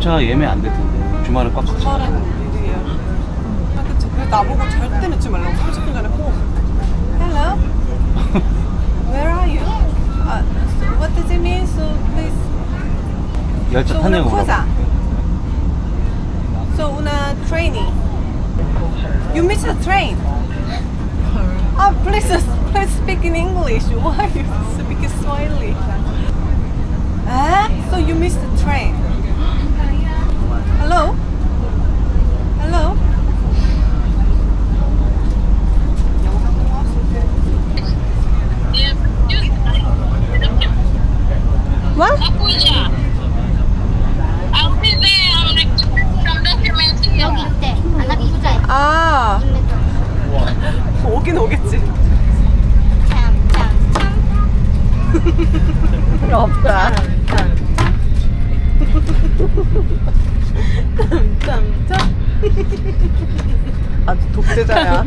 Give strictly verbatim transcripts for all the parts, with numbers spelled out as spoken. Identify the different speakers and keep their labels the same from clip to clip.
Speaker 1: 기차 예매 안 될 텐데 주말에 꽉 찼어.
Speaker 2: 주말에는 일이에요. 아, 그치. 그래 나보고 절대 늦지 말라고 삼십 분 전에 꼭. Hello. Where are you? Uh, so what does it mean? So please.
Speaker 1: 열차
Speaker 2: So una
Speaker 1: 타냐고
Speaker 2: cosa.
Speaker 1: 물어봐.
Speaker 2: So una training. You missed the train. Oh, please, please speak in English. Why you speak Swahili? Ah, so you missed the train. Hello? Hello? What?
Speaker 3: 여기 있대. 아나 부자야.
Speaker 2: 아, 오긴 오겠지.
Speaker 3: 참참참.
Speaker 2: 없다. 짬짬. 아주 독재자야.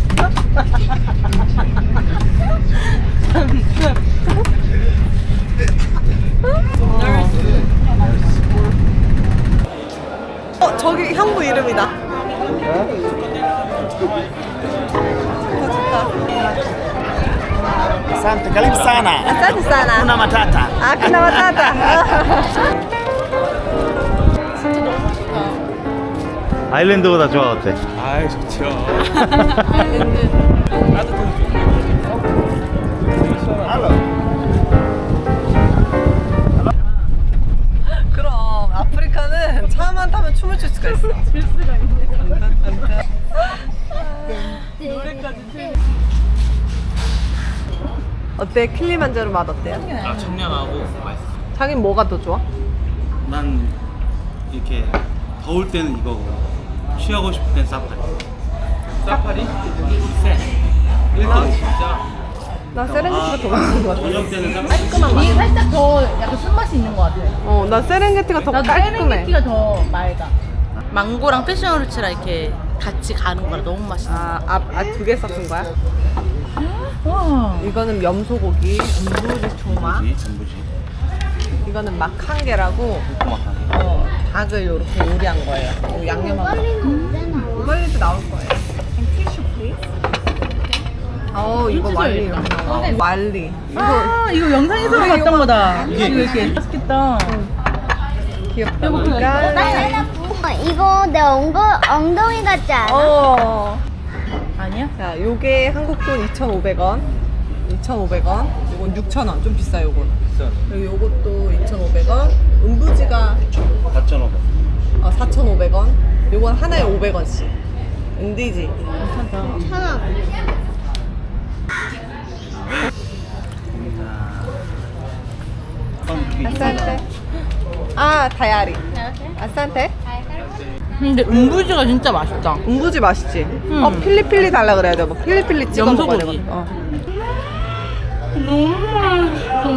Speaker 2: 어, 저기 형부 이름이다. 좋다, 좋다.
Speaker 4: Asante, karibu sana.
Speaker 2: Asante sana.
Speaker 4: Kuna matata.
Speaker 2: 아, 그나 맞다.
Speaker 1: 아일랜드보다 좋아 어때?
Speaker 5: 아이 좋죠.
Speaker 4: Halo.
Speaker 2: 그럼 아프리카는 차만 타면 춤을 출 수가 있어. 출 수가 있네. 노래까지 출. 어때? 킬리만자로 맛 어때요?
Speaker 5: 아 청량하고 맛있어.
Speaker 2: 자긴 뭐가 더 좋아?
Speaker 1: 난 이렇게 더울 때는 이거고 쉬하고 싶을 땐 사파리.
Speaker 5: 사파리?
Speaker 1: 쎄.
Speaker 5: 일단 진짜
Speaker 2: 나 세렝게티가 더 맛있는 것 같아.
Speaker 1: 저녁 때는 사파리.
Speaker 6: 깔끔한 맛. 이게 살짝 더 약간 쓴맛이 있는 것 같아.
Speaker 2: 어, 나 세렝게티가 더
Speaker 6: 나도
Speaker 2: 깔끔해.
Speaker 6: 세렝게티가 더 맑아. 망고랑 패션후르츠랑 이렇게 같이 가는 거라 너무 맛있어.
Speaker 2: 아, 아, 아 두 개 섞은 거야?
Speaker 6: 와.
Speaker 2: 이거는 염소고기, 음부지 조마.
Speaker 1: 전부지, 전부지.
Speaker 2: 이거는 막 한 개라고
Speaker 1: 꼬막하게.
Speaker 2: 어, 닭을 이렇게 요리한 거예요. 이거 양념하고. 말리도 나올 거예요. 티슈 플리즈. 어, 이거 말리. 어, 말리. 이거
Speaker 6: 아, 이거 영상에서
Speaker 2: 아,
Speaker 6: 봤던
Speaker 2: 이거
Speaker 6: 거다.
Speaker 1: 이게
Speaker 6: 이거 이렇게 맛있겠다.
Speaker 2: 귀엽다.
Speaker 6: 이거
Speaker 2: 그러니까.
Speaker 3: 이거 내 엉거, 엉덩이 같지 않아?
Speaker 2: 어.
Speaker 6: 아니야?
Speaker 2: 자, 요게 한국 돈 이천오백 원. 이천오백 원. 요건 육천 원. 좀 비싸 요거는.
Speaker 1: 비싸네.
Speaker 2: 그리고 요것도 이천오백 원. 음부지가
Speaker 1: 사천오백.
Speaker 2: 어, 사천오백 원. 요건 하나에 오백 원씩. 은디지.
Speaker 3: 천 원.
Speaker 2: 아산테. 아, 다이아리. 아산테.
Speaker 6: 근데 음부지가 진짜 맛있다.
Speaker 2: 음부지 맛있지?
Speaker 6: 음.
Speaker 2: 어, 필리필리 달라 그래야 돼. 뭐 필리필리 찍어 먹어야
Speaker 6: 염소고기.
Speaker 2: 되거든. 어.
Speaker 6: 너무 맛있어.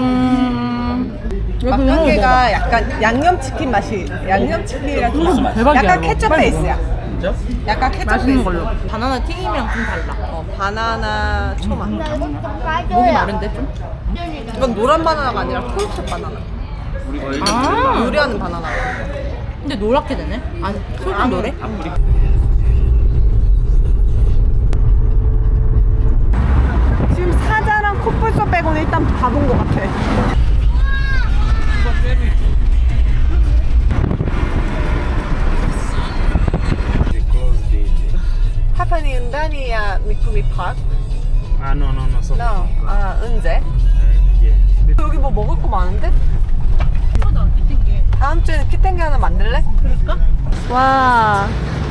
Speaker 2: 막간게가 약간 양념치킨 맛이 양념치킨이랑 좀
Speaker 6: 음, 대박이야,
Speaker 2: 약간
Speaker 6: 이거.
Speaker 2: 케첩
Speaker 6: 빨리
Speaker 2: 베이스야.
Speaker 1: 진짜?
Speaker 2: 약간 케첩
Speaker 6: 맛있는
Speaker 2: 베이스.
Speaker 6: 걸로. 바나나 튀김이랑 좀 달라.
Speaker 2: 어, 바나나 초마.
Speaker 6: 목이 마른데 좀?
Speaker 2: 이건 노란 바나나가 아니라 초록색 바나나.
Speaker 6: 아.
Speaker 2: 요리하는 바나나.
Speaker 6: 근데 노랗게 되네? 아니, 솔직히 노래?
Speaker 2: 지금 사자랑 코뿔소 빼고는 일단 다 본 것 같아. 하파니 은단이야 미쿠미 파크?
Speaker 4: Ah, no, no, no. So,
Speaker 2: 나, 아, 은재?
Speaker 4: yeah.
Speaker 2: 여기 뭐 먹을 거 많은데? 다음 주에는 키탱게 하나 만들래?
Speaker 6: 그럴까?
Speaker 2: 와.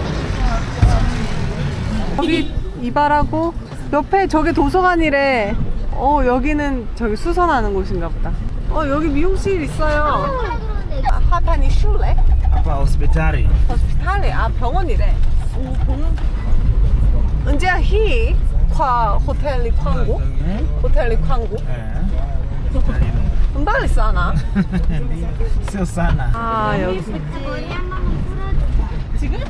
Speaker 2: 여기 이발하고 옆에 저게 도서관이래. 어, 여기는 저기 수선하는 곳인가 보다. 어, 여기 미용실 있어요. 아, 하파니 슐레?
Speaker 4: Apa hospitali?
Speaker 2: 호스피탈리. 아, 병원이래. 오, 병원. 은재야, 히 과 호텔리 광고? 호텔리 광고?
Speaker 4: Eh.
Speaker 2: 금방 싸나?
Speaker 4: Seu sana.
Speaker 2: 아, 여기.
Speaker 6: 지금?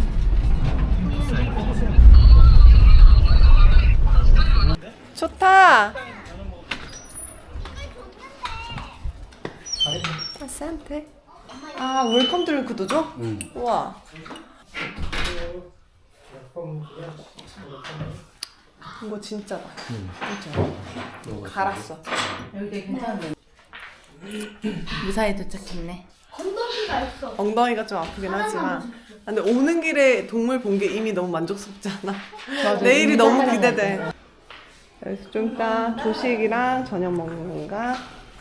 Speaker 2: 좋다. 아산테. 아, 웰컴 드링크도 줘?
Speaker 1: 응.
Speaker 2: 우와. 이거 진짜다. 진짜. 갈았어.
Speaker 6: 여기 되게 괜찮은데. 무사히 도착했네.
Speaker 2: 엉덩이가 좀 아프긴 하지만. 근데 오는 길에 동물 본 게 이미 너무 만족스럽지 않아? 내일이 너무 기대돼. 그래서 좀 이따 조식이랑 저녁 먹는 건가?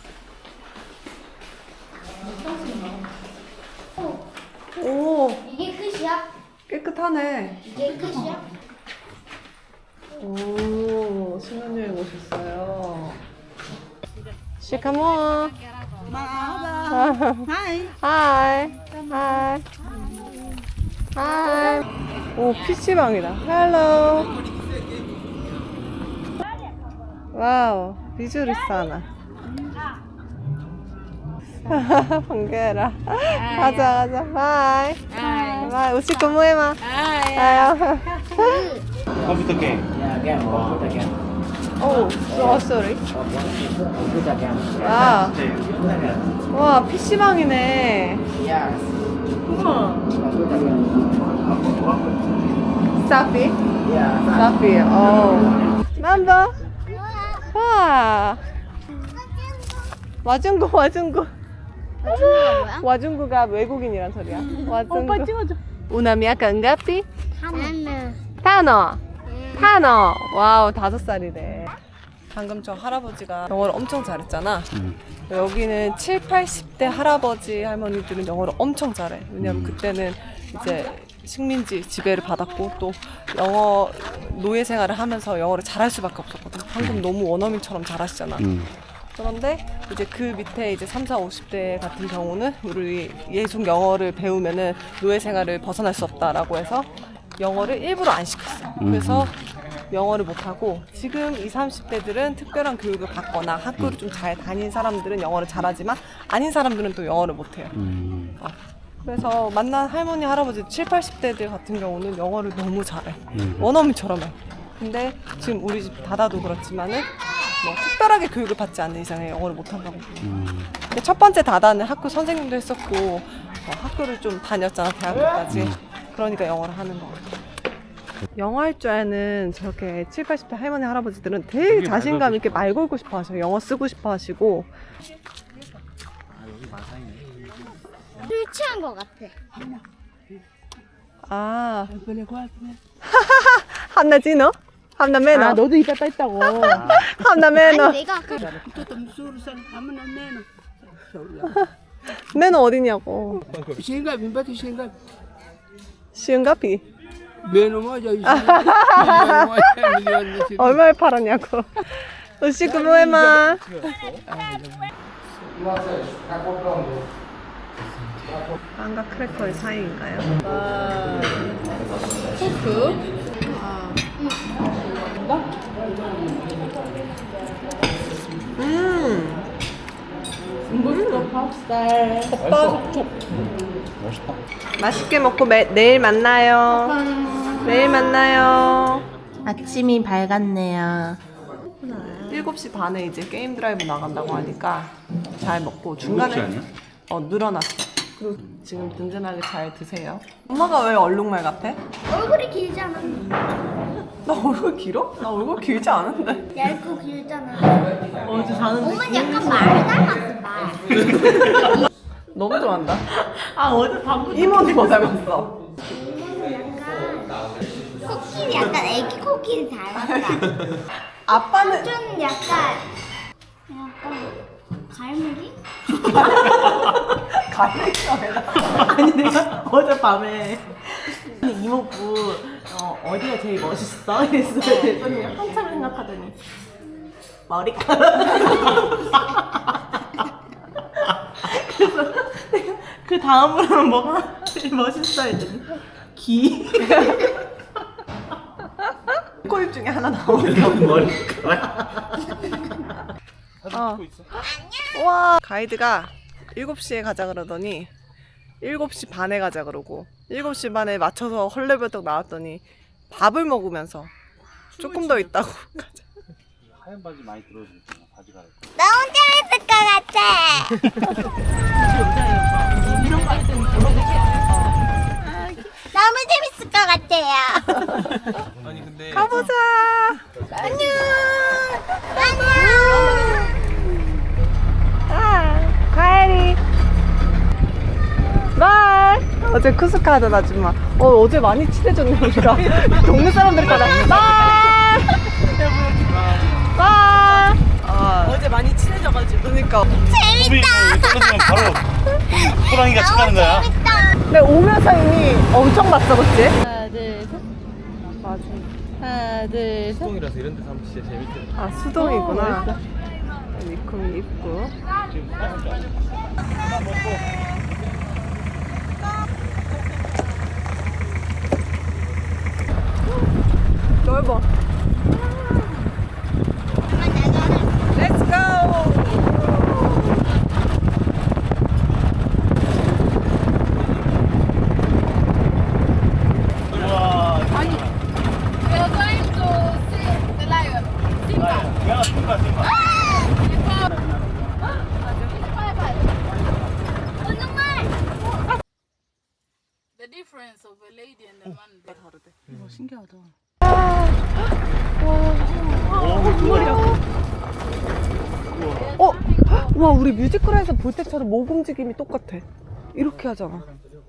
Speaker 2: 오,
Speaker 3: 이게 끝이야?
Speaker 2: 깨끗하네.
Speaker 3: 이게 끝이야?
Speaker 2: 오, 신혼여행 오셨어요. 시카모. 하이. 하이. 하이. 하이. 오, 피시방이다. 헬로. 와우, 비주리사나. 반가워라. 가자, 가자. 바이. 바이. 우시코 모에마. 아요.
Speaker 1: 컴퓨터 게임.
Speaker 2: 오, so sorry. 와, 와, 피시방이네. 우와. 사피? 사피, 어. 남자? 와. 와중구, 와중구.
Speaker 3: 뭐야?
Speaker 2: 와중구가 외국인이란 소리야. 와중구. 오빠 찍어줘. 우나미야 건가피?
Speaker 3: 하나는
Speaker 2: 타노. 타노. 와우, 다섯 살이래. 방금 저 할아버지가 영어를 엄청 잘했잖아.
Speaker 1: 응.
Speaker 2: 여기는 칠, 팔십 대 할아버지 할머니들은 영어를 엄청 잘해. 왜냐면 그때는 이제 식민지 지배를 받았고 또 영어 노예 생활을 하면서 영어를 잘할 수밖에 없었거든. 방금 너무 원어민처럼 잘하시잖아.
Speaker 1: 응.
Speaker 2: 그런데 이제 그 밑에 이제 삼, 사, 오십 대 같은 경우는 우리 예속 영어를 배우면은 노예 생활을 벗어날 수 없다라고 해서 영어를 일부러 안 시켰어. 그래서 영어를 못하고 지금 이십, 삼십 대들은 특별한 교육을 받거나 학교를 좀 잘 다닌 사람들은 영어를 잘하지만 아닌 사람들은 또 영어를 못해요.
Speaker 1: 음.
Speaker 2: 어. 그래서 만난 할머니, 할아버지 칠, 팔십 대들 같은 경우는 영어를 너무 잘해.
Speaker 1: 음.
Speaker 2: 원어민처럼 해. 근데 지금 우리 집 다다도 그렇지만은 뭐 특별하게 교육을 받지 않는 이상에 영어를 못한다고.
Speaker 1: 음.
Speaker 2: 근데 첫 번째 다다는 학교 선생님도 했었고 어, 학교를 좀 다녔잖아, 대학교까지.
Speaker 1: 음.
Speaker 2: 그러니까 영어를 하는 거 같아. 영어 할 줄 아는 저렇게 칠, 팔십 대 할머니, 할아버지들은 되게 자신감 있게 말 걸고 싶어 하셔. 영어 쓰고 싶어 하시고.
Speaker 3: 술 취한 것 같아.
Speaker 2: 아. 한나 지너? 한나 매너? 아, 너도 이따 있다고. 한나 매너.
Speaker 3: 아니 내가 아까
Speaker 2: 매너 어디냐고.
Speaker 7: Shinga, bimbati shinga.
Speaker 2: 시은가피.
Speaker 7: Meno moja hivi. Milioni moja, milioni ishirini.
Speaker 2: 얼마에 팔았냐고. 우시쿠 모에마. 빵과 크래커의 사이인가요? 아, 소프. 음.
Speaker 6: 중국도 밥살.
Speaker 2: 겉바속촉. 맛있게 먹고 매, 내일 만나요. 내일 만나요.
Speaker 6: 아침이 밝았네요.
Speaker 2: 일곱 시 반에 이제 게임 드라이브 나간다고 하니까 잘 먹고 중간에
Speaker 1: 일곱 시 아니야?
Speaker 2: 어 늘어났어. 그리고 지금 든든하게 잘 드세요. 엄마가 왜 얼룩말 같아?
Speaker 3: 얼굴이 길잖아.
Speaker 2: 나 얼굴 길어? 나 얼굴 길지 않은데.
Speaker 3: 얇고 길잖아.
Speaker 6: 어제 자는데.
Speaker 3: 엄마는 약간 말 닮았어 말.
Speaker 2: 너무 좋아한다.
Speaker 6: 아 어제 방금
Speaker 2: 이모도 뭐 닮았어.
Speaker 3: 코끼리 약간 애기 코끼리 닮았다.
Speaker 2: 아빠는
Speaker 3: 좀 약간 약간 갈무리?
Speaker 2: 갈릭감에다.
Speaker 6: 아니 내가 어젯밤에 이모부 어, 어디가 제일 멋있어? 이랬어. 그랬더니 한참 생각하더니 머리카락. 그래서 내가 그 다음으로는 뭐가 제일 멋있어? 했더니 귀.
Speaker 2: 코입 중에 하나 나오니까.
Speaker 1: 머리카락.
Speaker 2: 어. 와, 가이드가 일곱 시에 가자 그러더니 일곱 시 반에 가자 그러고 일곱 시 반에 맞춰서 헐레벌떡 나왔더니 밥을 먹으면서 조금 더 있다고 가자.
Speaker 1: 하얀 바지 많이 들어주잖아. 바지 갈아입고.
Speaker 3: 너무 재밌을 것 같아. 너무 재밌을 것 같아요.
Speaker 5: 아니 근데
Speaker 2: 가보자.
Speaker 3: 안녕. 안녕.
Speaker 2: 아, 가을이. 바이. 어제 쿠스카 하던 아줌마. 어, 어제 많이 친해졌네, 우리가. 동네 사람들 따라. 바이. 바이. 아, 어제 많이 친해져가지고. 그러니까.
Speaker 3: 재밌다.
Speaker 1: 떨어지면 바로 호랑이가 쳐가는 거야.
Speaker 3: 재밌다.
Speaker 2: 근데 오면서 이미 엄청 봤어, 그치?
Speaker 6: 하나, 둘, 셋.
Speaker 2: 맞아.
Speaker 6: 하나, 둘, 셋.
Speaker 5: 수동이라서 이런 데서 하면 진짜 재밌겠네.
Speaker 2: 아, 수동이구나. 니콤이 입고. 넓어. Let's go!
Speaker 8: The difference of a lady and a man there.
Speaker 6: 이거 신기하다.
Speaker 2: 어? 와, 우리 뮤지컬에서 볼 때처럼 목 움직임이 똑같아. 이렇게 하잖아.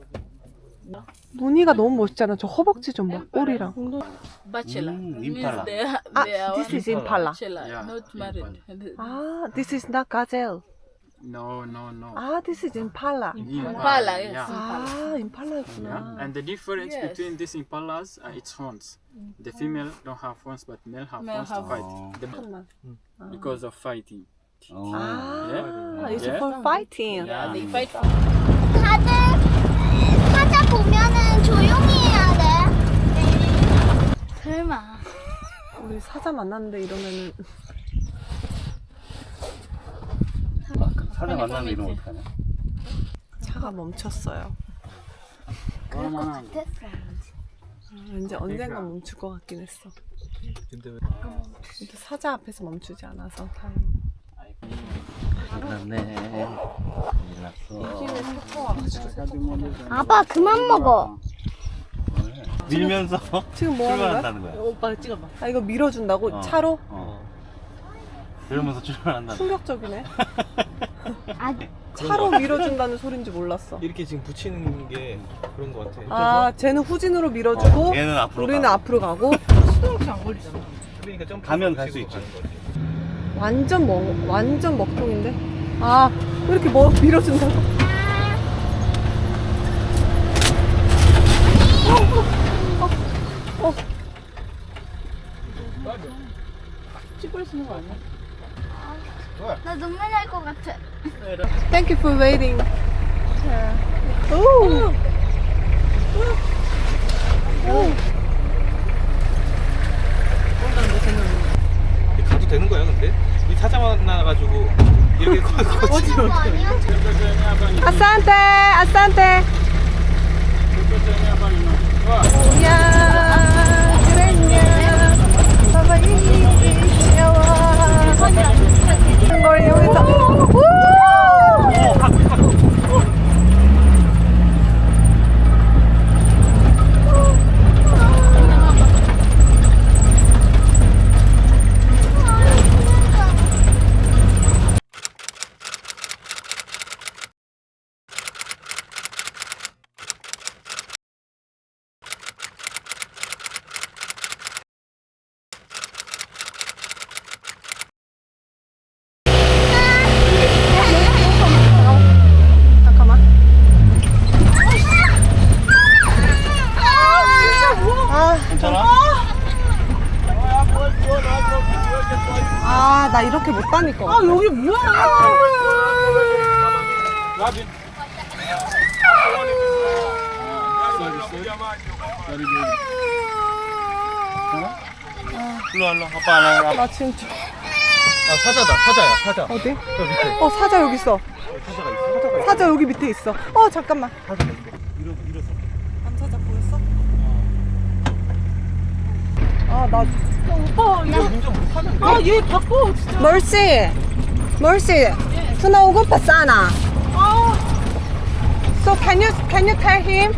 Speaker 2: 무늬가 너무 멋있잖아. 저 허벅지 좀 봐. 꼬리랑.
Speaker 8: Bachelor.
Speaker 1: Mm,
Speaker 8: Means
Speaker 1: impala.
Speaker 8: they are,
Speaker 2: 아,
Speaker 8: they are
Speaker 2: this is Impala.
Speaker 8: bachelor, not married.
Speaker 2: 아, this is not gazelle.
Speaker 9: No, no, no.
Speaker 2: 아, this is Impala.
Speaker 8: Impala, yes.
Speaker 9: Yeah.
Speaker 2: 아, 임팔라였구나.
Speaker 9: And the difference
Speaker 8: Yes.
Speaker 9: between these impalas, uh, it's horns. The female don't have horns, but male have
Speaker 8: Male
Speaker 9: horns to
Speaker 8: have
Speaker 9: fight.
Speaker 1: horns.
Speaker 9: The-
Speaker 2: 잠깐만.
Speaker 9: because of fighting.
Speaker 2: 아, it's
Speaker 9: Yeah.
Speaker 2: for fighting.
Speaker 8: Yeah, they fight.
Speaker 3: 다들 사자 보면은 조용히 해야 돼.
Speaker 8: 설마.
Speaker 2: 우리 사자 만났는데 이러면은
Speaker 1: 사자 만나면 이러면 어떡하냐?
Speaker 2: 차가 멈췄어요.
Speaker 3: 그럴 것 같았어.
Speaker 2: 왠지 언젠가 멈출 것 같긴 했어.
Speaker 5: 근데 왜
Speaker 2: 근데 사자 앞에서 멈추지 않아서 다행.
Speaker 1: 났네.
Speaker 3: 아빠 그만 먹어.
Speaker 1: 밀면서
Speaker 2: 지금 뭐 하는 거야?
Speaker 1: 출발한다는 거야.
Speaker 6: 오빠 찍어봐.
Speaker 2: 아, 이거 밀어준다고?
Speaker 1: 어.
Speaker 2: 차로?
Speaker 1: 어. 이러면서 출발한다.
Speaker 2: 충격적이네.
Speaker 3: 아,
Speaker 2: 차로 밀어준다는 소린지 몰랐어.
Speaker 5: 이렇게 지금 붙이는 게 그런 거 같아.
Speaker 2: 아, 쟤는 후진으로 밀어주고
Speaker 1: 어, 얘는 앞으로
Speaker 2: 우리는
Speaker 1: 가.
Speaker 2: 앞으로 가고.
Speaker 6: 수동치 안 걸리잖아.
Speaker 5: 그러니까 점프
Speaker 1: 가면 갈 수
Speaker 5: 붙이고
Speaker 1: 있지.
Speaker 5: 가는 거지.
Speaker 2: 완전 먹 완전 먹통인데. 아, 왜 이렇게 뭐 밀어준다고? 어, 어, 어.
Speaker 6: 찍을 수 있는 거 아니야?
Speaker 3: 나 눈물 날 것 같아.
Speaker 2: Thank you for waiting. 오.
Speaker 5: 가도 되는 거야 근데? 이 사자 만나가지고 이렇게 커
Speaker 3: 어디 거 아니야?
Speaker 2: 아산테, 아산테. 야, 그랬냐. 바바이시야와. 걸 여기서. 우! 잠깐만. 아,
Speaker 1: 괜찮아?
Speaker 2: 아, 나 이렇게 못 다닐 거 같아. 아, 여기 뭐야?
Speaker 1: 일로 와, 일로 와. 아빠 안 와.
Speaker 2: 나 진짜.
Speaker 5: 아 사자다 사자야 사자.
Speaker 2: 어디?
Speaker 5: 저 밑에.
Speaker 2: 어, 사자 여기 있어.
Speaker 1: 사자가 있어? 사자가
Speaker 2: 사자 여기 밑에 있어. 어, 잠깐만.
Speaker 1: 사자 있어. 밀어, 밀어서.
Speaker 2: 남사자 보였어? 아, 나
Speaker 6: 오빠 이거
Speaker 5: 운전 못하는데.
Speaker 6: 아 얘 바꿔 진짜.
Speaker 2: Mercy, Mercy, tuna ugo pasana. So can you can you tell him?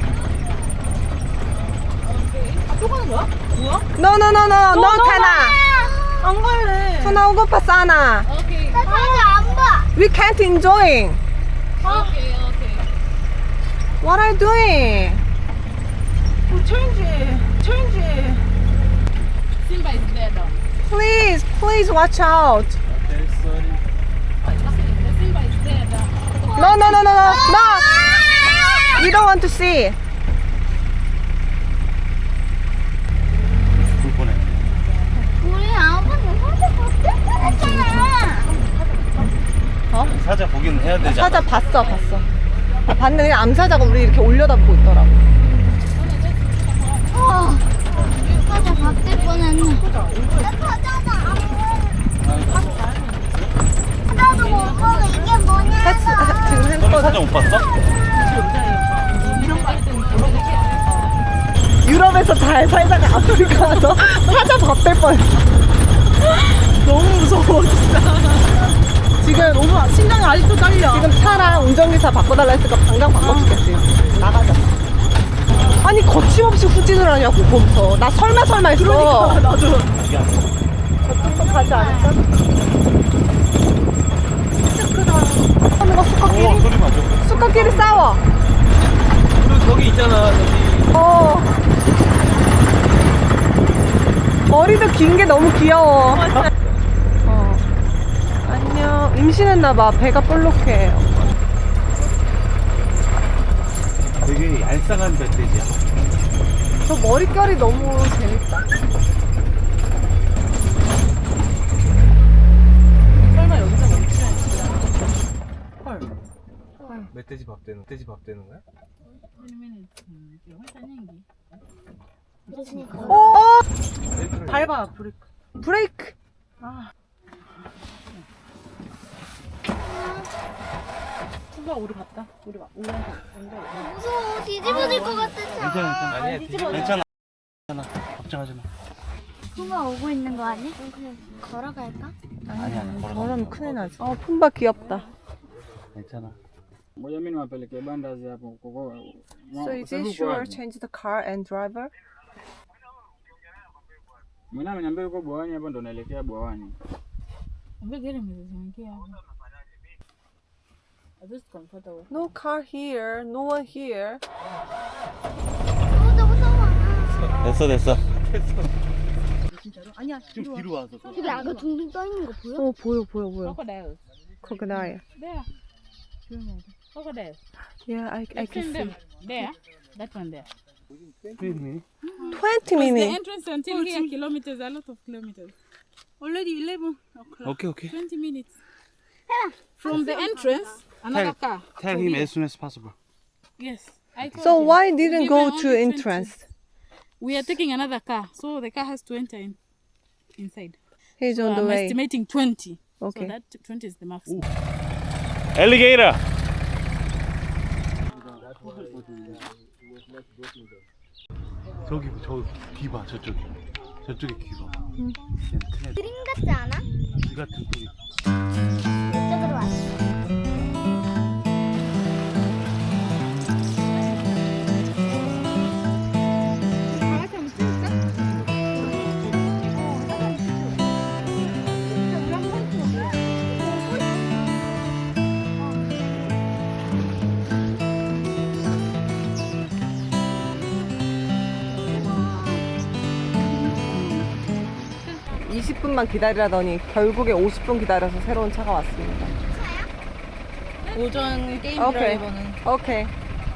Speaker 6: 또 가는 거야? 뭐야?
Speaker 2: No no no no no tuna.
Speaker 6: 안 갈래.
Speaker 2: Tuna ugo pasana.
Speaker 8: Okay.
Speaker 3: 나 사진 안 봐.
Speaker 2: We can't enjoy.
Speaker 8: Okay, okay.
Speaker 2: What are you doing?
Speaker 6: 어, 체인지, 체인지.
Speaker 8: Simba is there now.
Speaker 2: Please, please watch out.
Speaker 5: Okay, sorry.
Speaker 8: The Simba is there now.
Speaker 2: No no no no no no. We don't want to see.
Speaker 1: 불 보내.
Speaker 3: 우리 아빠는 사진 못했잖아.
Speaker 1: 사자 보기는 해야 되지 않아?
Speaker 2: 사자 봤어 봤어. 아, 봤는데 그냥 암사자가 우리 이렇게 올려다보고 있더라고.
Speaker 3: 어. 사자 바뀔 뻔했네. 나 사자도 안 보여. 사자도 못 보고 이게 뭐냐.
Speaker 2: 했, 아, 지금
Speaker 1: 너는
Speaker 2: 했거든.
Speaker 1: 사자 못 봤어?
Speaker 2: 유럽에서 잘 살다가 아프리카 와서 사자 밥 될 뻔. 너무 무서워 진짜. 지금
Speaker 6: 너무 심장이 아직도 떨려.
Speaker 2: 지금 차랑 운전기사 바꿔달라 했으니까 당장 바꿔주겠지. 나가자. 아니 거침없이 후진을 하냐고 거기서. 나 설마 설마 했어.
Speaker 6: 그러니까 나도.
Speaker 2: 저쪽도 가지 않을까? 진짜 크다. 하는 거 수컷끼리?
Speaker 1: 오, 소리 맞아.
Speaker 2: 수컷끼리 싸워.
Speaker 5: 그리고 저기 있잖아, 저기.
Speaker 2: 어. 머리도 긴 게 너무 귀여워. 어. 안녕. 임신했나봐. 배가 볼록해.
Speaker 1: 되게 얄쌍한 멧돼지야.
Speaker 2: 저 머릿결이 너무 재밌다.
Speaker 6: 설마 여기서 멈추나 진짜. 헐.
Speaker 5: 멧돼지 밥 되는, 멧돼지 밥 되는 거야?
Speaker 2: 어!
Speaker 6: 밟아 브레이크.
Speaker 2: 브레이크.
Speaker 6: 순간 우리 갔다. 우리 와- 올라가.
Speaker 3: 무서워. 뒤집어질 것 같았어.
Speaker 1: 괜찮아, 괜찮아.
Speaker 5: 아니야, 뒤집어.
Speaker 1: 괜찮아. 괜찮아. 걱정하지 마.
Speaker 3: 푸마 오고 있는 거 아니야? 그냥 걸어갈까?
Speaker 1: 아니, 아니. 걸어가.
Speaker 2: 저러면 큰일 나지. 어, 푼바 귀엽다.
Speaker 1: 괜찮아.
Speaker 9: Ngoja mimi niwapelekee bandazi hapo kuko.
Speaker 2: So is it sure change the car and driver?
Speaker 9: Mimi ameniambia yuko Bwawani hapo ndo naelekea Bwawani.
Speaker 8: I'm getting me the
Speaker 6: 아, this is comfortable.
Speaker 2: No car here. No one here.
Speaker 3: 어, 나 무서워.
Speaker 1: 됐어, 됐어.
Speaker 6: 진짜로? 아니야.
Speaker 1: 좀 뒤로 와서.
Speaker 3: 저기 악어 둥둥 떠 있는 거 보여?
Speaker 2: 어, 보여, 보여, 보여.
Speaker 8: crocodile.
Speaker 2: Crocodile.
Speaker 8: There. Crocodile.
Speaker 2: Yeah, I, I
Speaker 8: I've
Speaker 2: can
Speaker 8: seen
Speaker 2: see.
Speaker 8: them. There. That one there.
Speaker 2: twenty
Speaker 8: The
Speaker 2: minutes.
Speaker 8: entrance until here, kilometers, a lot of kilometers. Already eleven o'clock.
Speaker 1: 오케이, 오케이.
Speaker 8: twenty minutes. From the entrance, another car.
Speaker 1: Tell him as soon as possible.
Speaker 8: Yes. I told
Speaker 2: So
Speaker 8: him.
Speaker 2: why didn't
Speaker 8: Give
Speaker 2: go
Speaker 8: them
Speaker 2: to
Speaker 8: only
Speaker 2: entrance?
Speaker 8: We are taking another car, so the car has to enter in inside.
Speaker 2: He's
Speaker 8: So
Speaker 2: on the
Speaker 8: I'm
Speaker 2: way.
Speaker 8: estimating twenty.
Speaker 2: Okay.
Speaker 8: So that twenty is the maximum.
Speaker 1: 엘리게이터. 저기 저 귀 봐, 저쪽에. 저쪽에 귀 봐. 얘는
Speaker 3: 그림 같지 않아?
Speaker 1: 귀 같은 소리.
Speaker 3: 이쪽으로 왔어.
Speaker 2: 이십 분만 기다리라더니 결국에 오십 분 기다려서 새로운 차가 왔습니다.
Speaker 6: 오전 게임
Speaker 2: 오케이.
Speaker 6: 드라이버는
Speaker 2: 오케이.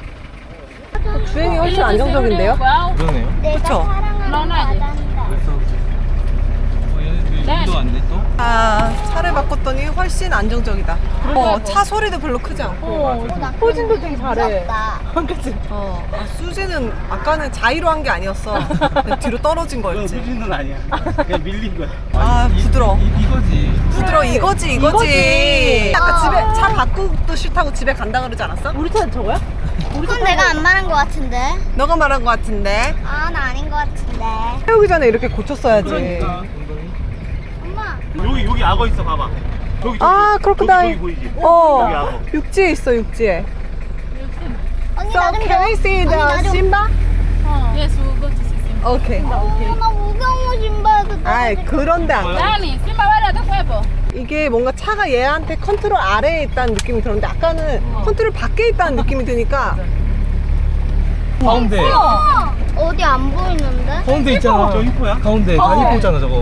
Speaker 2: 주행이 훨씬 안정적인데요?
Speaker 5: 그러네요.
Speaker 3: 내가
Speaker 2: 그쵸?
Speaker 3: 사랑하는
Speaker 8: 너, 너 아직.
Speaker 3: 바다인다.
Speaker 5: 어, 얘네들이 운도 안 돼, 또?
Speaker 2: 아, 차를 바꿨더니 훨씬 안정적이다. 어, 차 소리도 별로 크지 않고.
Speaker 3: 어, 나
Speaker 2: 호진도 되게 잘해.
Speaker 3: 무섭다.
Speaker 2: 그치? 어. 아, 수지는 아까는 자의로 한 게 아니었어. 그냥 뒤로 떨어진
Speaker 1: 그건
Speaker 2: 거였지.
Speaker 1: 수진은 아니야. 그냥 밀린 거야.
Speaker 2: 아, 부드러워.
Speaker 5: 이, 이거지.
Speaker 2: 부드러워, 이거지, 이거지.
Speaker 6: 이거지.
Speaker 2: 아까 집에 차 바꾸도 싫다고 집에 간다 그러지 않았어?
Speaker 6: 우리 차는 저거야?
Speaker 3: 그건 내가 안 말한 거 같은데.
Speaker 2: 너가 말한 거 같은데.
Speaker 3: 아, 나 아닌 거 같은데.
Speaker 2: 아유, 세우기 전에 이렇게 고쳤어야지.
Speaker 1: 그러니까.
Speaker 3: 엄마.
Speaker 1: 여기 여기 악어 있어 봐봐. 저기 저기.
Speaker 2: 아, 크로커다일.
Speaker 1: 저기, 저기 보이지?
Speaker 2: 어,
Speaker 1: 여기 악어.
Speaker 2: 육지에 있어, 육지에.
Speaker 3: 언니
Speaker 2: So
Speaker 3: 나좀
Speaker 2: can we see the Simba?
Speaker 8: Yes, we'll go to see Simba.
Speaker 2: Okay.
Speaker 3: 나 무서워 신발도.
Speaker 2: 아, 그런데 안 가.
Speaker 8: Dani, Simba va a tu cuerpo.
Speaker 2: 이게 뭔가 차가 얘한테 컨트롤 아래에 있다는 느낌이 들었는데 아까는 컨트롤 밖에 있다는 느낌이 드니까
Speaker 5: 가운데
Speaker 3: 어디 안 보이는데?
Speaker 5: 가운데 있잖아.
Speaker 1: 저 히포야?
Speaker 5: 가운데
Speaker 2: 어.
Speaker 5: 다 히포잖아 저거.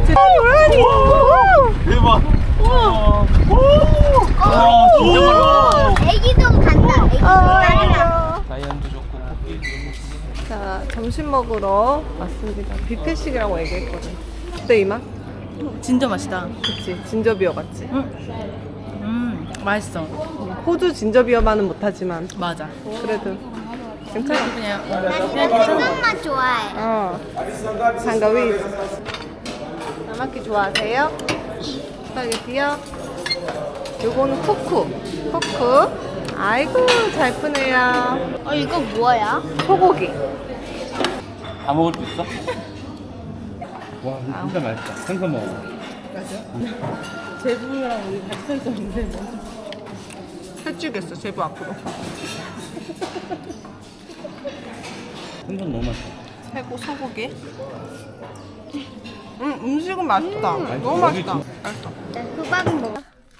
Speaker 1: 대박.
Speaker 3: 어,
Speaker 1: 와, 진짜 빨라.
Speaker 3: 애기도 간다. 애기도 간다.
Speaker 5: 라이언도 좋고 코끼리.
Speaker 2: 자, 점심 먹으러 왔습니다. 뷔페식이라고 얘기했거든. 어때 이마?
Speaker 6: 진짜 맛있다.
Speaker 2: 그치, 진저비어 같지?
Speaker 6: 음, 맛있어.
Speaker 2: 호주 진저비어만은 못하지만
Speaker 6: 맞아.
Speaker 2: 그래도 괜찮아.
Speaker 6: 그냥
Speaker 3: 나 진짜 생선 맛 좋아해.
Speaker 2: 어. 장가위. 나마키 좋아하세요? 스파게티요? 요거는 쿠쿠. 쿠쿠. 아이고, 잘 푸네요.
Speaker 3: 어 이거 뭐야?
Speaker 2: 소고기.
Speaker 1: 다 먹을 수 있어? 와, 이거 진짜 맛있다. 생선 먹어.
Speaker 6: 제주랑 우리 같이 서 있었는데 뭐.
Speaker 2: 해주겠어, 제부 앞으로.
Speaker 1: 생선 너무 맛있어.
Speaker 2: 최고 소고기. 음, 음식은 맛있다. 너무
Speaker 1: 여기
Speaker 2: 맛있다.
Speaker 1: 진-
Speaker 2: 맛있어.
Speaker 3: 수박 먹어.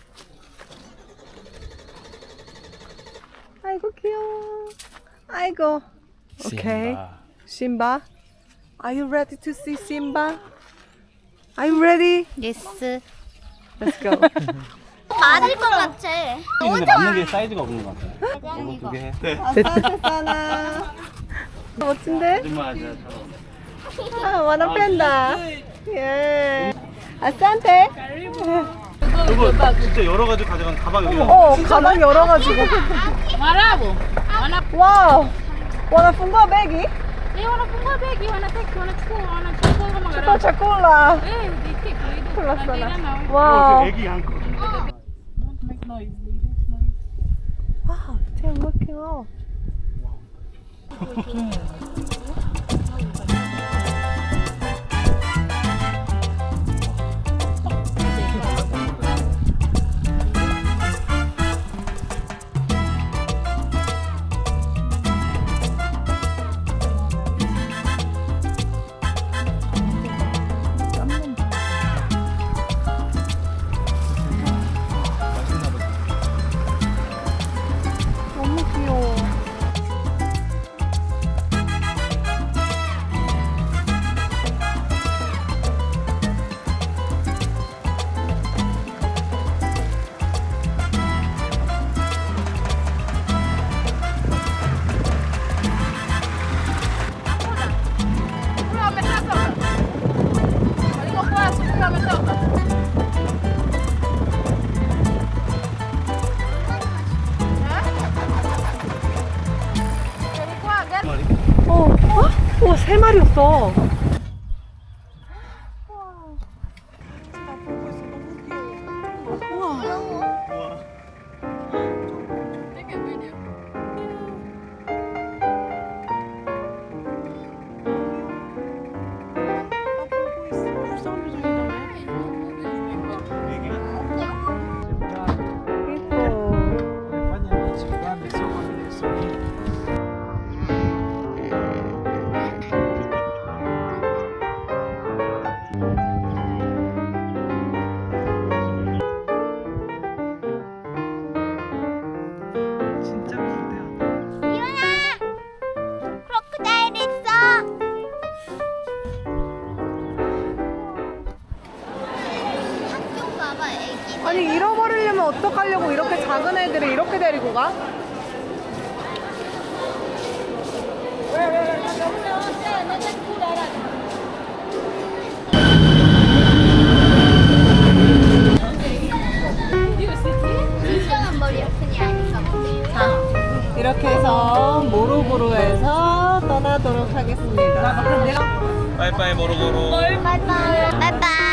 Speaker 2: 아이고 귀여워. 아이고. 오케이. 심바. Are you ready to see Simba? Are you ready?
Speaker 3: 예스.
Speaker 2: Let's go.
Speaker 3: 맞을 것 같아.
Speaker 1: 근데 맞는 게 사이즈가 없는 것 같아.
Speaker 3: 이거
Speaker 1: 이거 두 개 해. 네.
Speaker 2: 됐다. 멋진데?
Speaker 1: 거짓말 하지 마.
Speaker 2: 아, wanna 팬다. 예. 아산테.
Speaker 1: 이거 진짜 여러 가지 가져간 가방 여기.
Speaker 2: 어, 가방 열어가지고.
Speaker 8: Marabo. Wanna,
Speaker 2: 와우. wanna fungo begi?
Speaker 8: eh, wanna punga begi, wanna take, wanna chuko, wanna chuko, wanna
Speaker 2: 또
Speaker 8: magara.
Speaker 2: 초콜라.
Speaker 8: Eh, di take, di do.
Speaker 2: 콜라
Speaker 8: Nandira
Speaker 2: 써라.
Speaker 8: na.
Speaker 2: 와우.
Speaker 1: 애기 한 거.
Speaker 8: Don't make noise. They make noise.
Speaker 2: Wow, they're looking up. 너무 귀여워.
Speaker 8: Pura me toca. Digo, paso, pura me toca.
Speaker 2: 어, 어? 우와, 세 마리였어. 진짜 크다.
Speaker 3: 일어나. 크로커다일 있어. 학교 가봐 애기.
Speaker 2: 아니, 잃어버리려면 어떡하려고 이렇게 작은 애들을 이렇게 데리고 가?
Speaker 3: 진정한 머리 아프니 아닌가 보네.
Speaker 2: 자, 이렇게 해서 모로보로에서 떠나도록 하겠습니다.
Speaker 5: 빠이빠이 모로고로.
Speaker 3: 바이바이. 바이바이.